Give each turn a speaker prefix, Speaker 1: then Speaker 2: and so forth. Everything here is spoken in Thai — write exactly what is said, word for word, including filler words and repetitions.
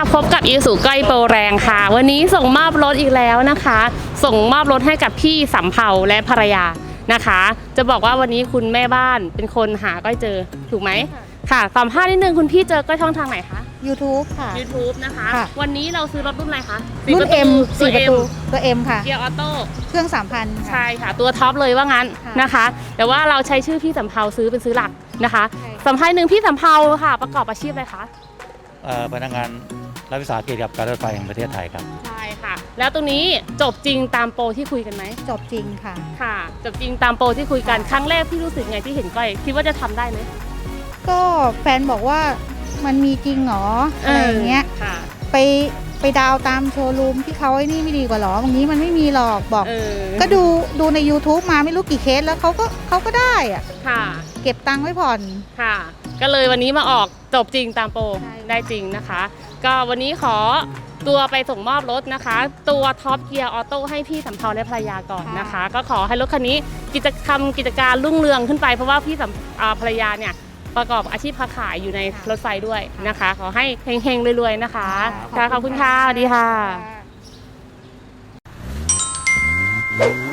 Speaker 1: พบกับอีสุก้อยโปรแรงค่ะวันนี้ส่งมอบรถอีกแล้วนะคะ ส่งมอบรถให้กับพี่สำเภาและภรรยานะคะ จะบอกว่าวันนี้คุณแม่บ้านเป็นคนหาก้อยเจอถูกไหมค่ะสัมภาษณ์นิดนึงคุณพี่เจอก้อยช่องทางไหนคะ
Speaker 2: YouTube ค่ะ
Speaker 1: YouTube นะคะ
Speaker 2: ค่ะ
Speaker 1: วันนี้เราซื้อรถรุ่นอะไรคะ
Speaker 2: รุ่น M
Speaker 1: ตัว
Speaker 2: สี่ประ
Speaker 1: M
Speaker 2: ตูตัว M ค่ะ
Speaker 1: เกียร์ออโต้
Speaker 2: เครื่อง สามพัน
Speaker 1: ใช่ค่ะตัวท็อปเลยว่างั้น
Speaker 2: ค่ะ
Speaker 1: นะคะ แต่ว่าเราใช้ชื่อพี่สำเภาซื้อเป็นซื้อหลักนะคะ
Speaker 2: ใช่
Speaker 1: สัมภาษณ์หนึ่งพี่สำเภาค่ะประกอบอาชีพอะไรคะ
Speaker 3: เอ่อพนักงานรัฐวิสาหกิจกับการรถไฟแห่งประเทศไทยครับ
Speaker 1: ใช่ค่ะ แล้วตรงนี้จบจริงตามโปรที่คุยกันไหม
Speaker 2: จบจริงค่ะ
Speaker 1: ค่ะจบจริงตามโปรที่คุยกันครั้งแรกพี่รู้สึกไงที่เห็นก้อยคิดว่าจะทำได้ไหม
Speaker 2: ก็แฟนบอกว่ามันมีจริงเหรออะไรอย่างเงี้ย
Speaker 1: ค่ะ
Speaker 2: ไปไปดาวตามโชว์รูมที่เขาไอ้นี่ไม่ดีกว่าหรอบางนี้มันไม่มีหรอกบอก
Speaker 1: เออ
Speaker 2: ก็ดูดูใน YouTube มาไม่รู้กี่เคสแล้วเขาก็เขาก็ได้อะ
Speaker 1: ค่ะ
Speaker 2: เก็บตังค์ไว้ผ่อน
Speaker 1: ค่ะ ก็เลยวันนี้มาออกจบจริงตามโปร
Speaker 2: ใช่
Speaker 1: ได้จริงนะคะ ก็วันนี้ขอตัวไปส่งมอบรถนะคะ ตัวท็อปเกียร์ออโต้ให้พี่สำเภาและภรรยาก่อนนะคะ ก็ขอให้รถคันนี้กิจกรรมกิจการรุ่งเรืองขึ้นไปเพราะว่าพี่สำอ่าภรรยาเนี่ยประกอบอาชีพค้าขายอยู่ในรถไฟด้วยนะคะ ขอให้เฮงๆรวยๆนะคะค่ะขอบคุณค่ะสวัสดีค่ะ
Speaker 2: ค่ะ